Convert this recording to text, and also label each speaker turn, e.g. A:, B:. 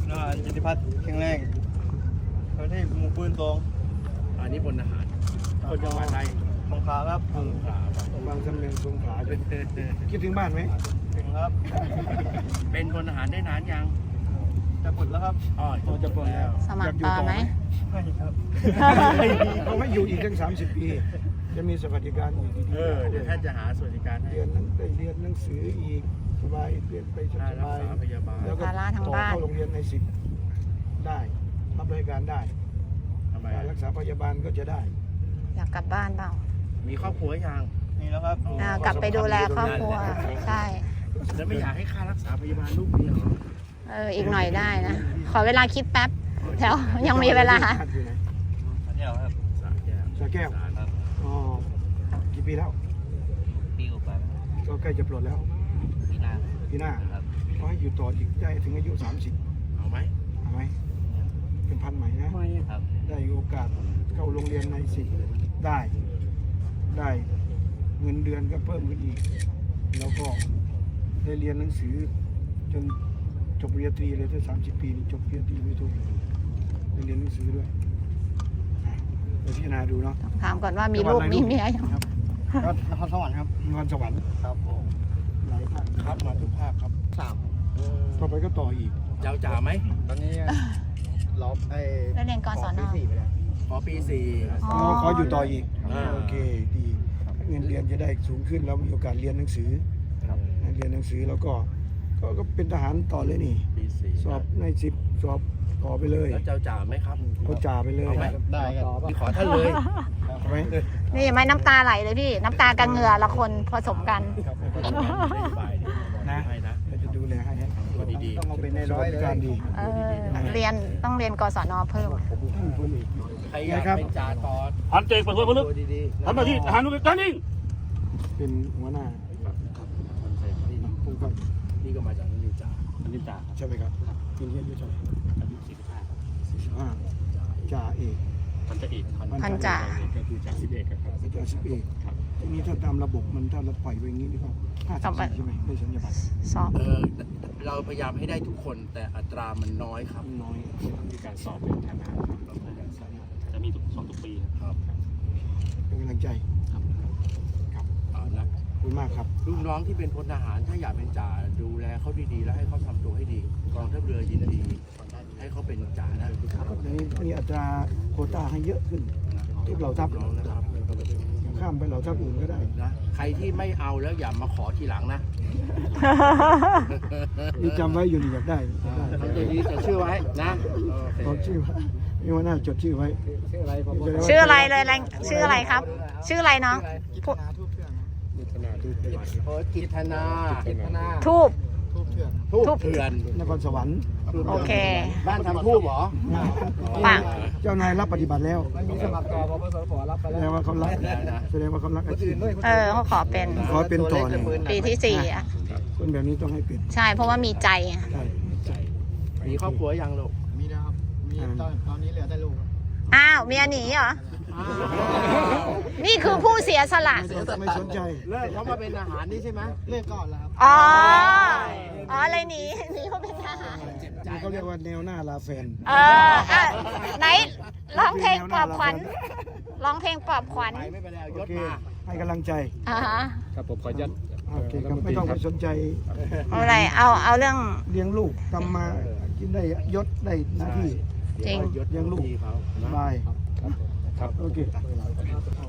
A: ทหารจิติพัฒน์แข็งแรงเขาที่หมู่ปืนตรง
B: อันนี้พลทหารคนจังหวัดใด
A: สงขลาครับ
B: สงขลา
C: บางสำเนียงสงขลาคิดถึงบ้านไหม
A: ถึงครับ
B: เป็นพลทหารได้นานยัง
A: จะปลดแล้วครับ
B: อ๋อจะปลดแล้ว
D: สมัครต่อไหม
A: ไม่ครับ
C: เขาไม่อยู่อีกตั้ง30 ปี จะมีสวัสดิการอีก
B: เดี๋ยวท่านจะหาสวัสดิการให้
C: เรียนเรียนหนังสืออีกสบายเรียนไปส
B: ค่ารัก
C: บาย
B: ษาพยาบาล
C: แล้วก็
D: ภาระทาง
C: ต่อ
D: บ้าน
C: เข้าโรงเรียนใน10ได้รับบริการได้
B: ทำไม
C: การรักษาพยาบาลก็จะได้
D: อยากกลับบ้านเปล่า
B: มีครอบครัวยัง
A: นี่แล้วครับ
D: กลับไปดูแลครอบครัวใช่
B: แล้วไม่อยากให้ค่ารักษาพยาบาลลูกเมียเหรอ
D: อีกหน่อยได้นะ ขอเวลาคิดแป๊บแถวยังมีเวลา
C: อยู่ไหน
A: อันเดียวครับ
B: สาแก้ว
C: สระแก้ว
A: ครับ
C: อ๋อกี่ปีแล้ว
A: ปีกว่า
C: ก็ใกล้จะปลดแล้ว
A: ปีหน้า
C: ปีหน้า
A: ครับ
C: ขอให้อยู่ต่ออีกได้ถึงอายุ30
B: เอาไหม
C: เอาไหมเป็นพันใหม่นะ
A: ครับ
C: ได้โอกาสเข้าโรงเรียนใน10ได้เงินเดือนก็เพิ่มขึ้นอีก แล้วก็ได้เรียนหนังสือจนจบปริญญาตรีเลยถ้า30 ปีนี่จบปริญญาตรีไม่ถูกได้เรียนหนังสือด้วยไปพิจารณาดูเนาะ
D: ถามก่อนว่ามีลูกมีเมียยัง
A: ก็นครสวรรค์ครับ
C: นครสวรรค์
A: ครับผม
C: หลายภาค
B: ครับมาทุกภาคครับ
A: 3
C: ต่อไปก็ต่ออีก
B: เจ้าจ๋าไหม
A: ตอนนี้เราไอ้
D: แล้วเรียนกศน
A: ปี 4ไปแล้ว
B: ขอปี 4
D: อ๋อ
C: ขออยู่ต่ออีก
B: อ่า
C: โอเคดีเงินเรียนจะได้สูงขึ้นแล้วมีโอกาสเรียนหนังสือเรียนหนังสือแล้วก็เป็นทหารต่อเลยนี่
B: ปี 4
C: สอบใน10สอบต่อไปเลย
B: แล้วเจ้าจ๋าไหมครับ
C: เขาจ่าไปเลย
B: เอาไหม
A: ได้ครับ
B: พี่ขอท่านเลย
C: เอาไหม
D: นี่ไม่น้ำตาไหลเลยพี่ น้ำตากับเหงื่อละคนผสมกัน
B: นะให้นะ
C: เราจะดูแลให้
B: ตัวดี
A: ต้องเอาเป็นในร้อยเลย
C: การดี
D: ต้องเรียนกศนเพิ่ม
C: ท่านพลเอก
B: ๆใครอยากเป็นจ่าตอน
E: พันเจกเปิดเผยผลึก
A: ตัวดีๆ
E: ทำหน้าที่ทหารนุการนิ่ง
C: เป็นหัวหน้าผมก็
B: นี่ก็มาจากนิวจ่า
E: อันนี้จ่า
C: ใช่ไหมครับปีนี้อายุเท่าไหร่
E: อายุ45
C: 45จ่าเอก
E: พันจ่าเอก
D: พันจ่า
E: ก็คือจ่าสิบเอกครับ
C: จ่าสิบเอกทีนี้ถ้าตามระบบมันถ้าเราปล่อยไปอย่างนี้นี่ก็54ใช่ไหมได้สัญญาบัตร
D: สอบ
B: เราพยายามให้ได้ทุกคนแต่อัตรามันน้อยครับ
C: น้อย
E: มีการสอบเป็นทางการจะมีสอบทุกปีครับ
C: เป็นกำลังใจ
B: เอานะ
C: ขอบคุณมากครับ
B: ลูกน้องที่เป็นพลทหารถ้าอยากเป็นจ่าดูแลเขาดีๆ แล้วให้เขาทำตัวให้ดีกองทัพเรือยินดีให้เขาเป็นจ่านะ
C: ทีนี้มีอัตราโควต้าให้เยอะขึ้นทุกเหล่าทัพ
B: น้องนะครับ
C: ข้ามไปเหล่าทัพอื่นก็ได้
B: นะใครที่ไม่เอาแล้วอย่ามาขอทีหลังนะ
C: นี่จำไว้อยู่นี่อยากได้
B: ทำใจดีแต่ชื่อไว้นะโอเค
C: จดชื่อไว้มีหัวหน้าจดชื่อไว้
D: ชื่ออะไรเลยชื่ออะไรครับ ชื่ออะไรน้อง
A: กิจนาทูบเพื่อน
B: โอ้กิตนา
A: กิจนา
D: ทูบ
A: ทูบเพื่อน
B: ทูบเถื่อน
C: นครสวรรค์
D: โอเค
B: บ้านทำทูบเหรอ
D: ปัง
C: เจ้านายรับปฏิบัติแล้ว
A: มันมีสมัครต่อพปสปรับไป
C: แส
A: แล้
C: ด
A: ว
C: งว่าเขารักแสดงว่าเขารักอาชีพ
D: เขาขอเป็น
C: ขอเป็นต่อเลย
D: ปีที่ 4อ่ะ
C: คนแบบนี้ต้องให้เป็น
D: ใช่เพราะว่ามีใจไง
C: ใช่
B: มีครอบครัวยังลูก
A: มีนะครับ มีตอนนี้เหลือแต่ลูกครับ
D: อ้าวเมียหนีเหรอ นี่คือผู้เสียสละ
C: ไม่สนใจ
B: เลิกเขามาเป็นอาหารนี่ใช่ไหม
A: เลิกก่อนแล้วครับ
D: อ๋อ อะไรหนีเขาเป็นทหาร
C: นี่เขาเรียกว่าแนวหน้าลาแฟน
D: ไหนร้องเพลงปลอบขวัญร้องเพลงปลอบขวัญ
B: ไปไม่เป็นไรเอาย
C: โอ
B: ศ
C: เค
B: มา
C: ให้กำลังใจ
D: อ่าฮะ
E: ครับผมขอยัด
C: โอเคครับไม่ต้องไปสนใจ
D: เอาอะไรเอาเรื่อง
C: เลี้ยงลูกทำมากินได้ยศได้หน้าที่
D: จริง
B: ยศ
C: เลี้ยงลูก
B: ดีเขา
C: สบาย
E: ครับ
C: โอเค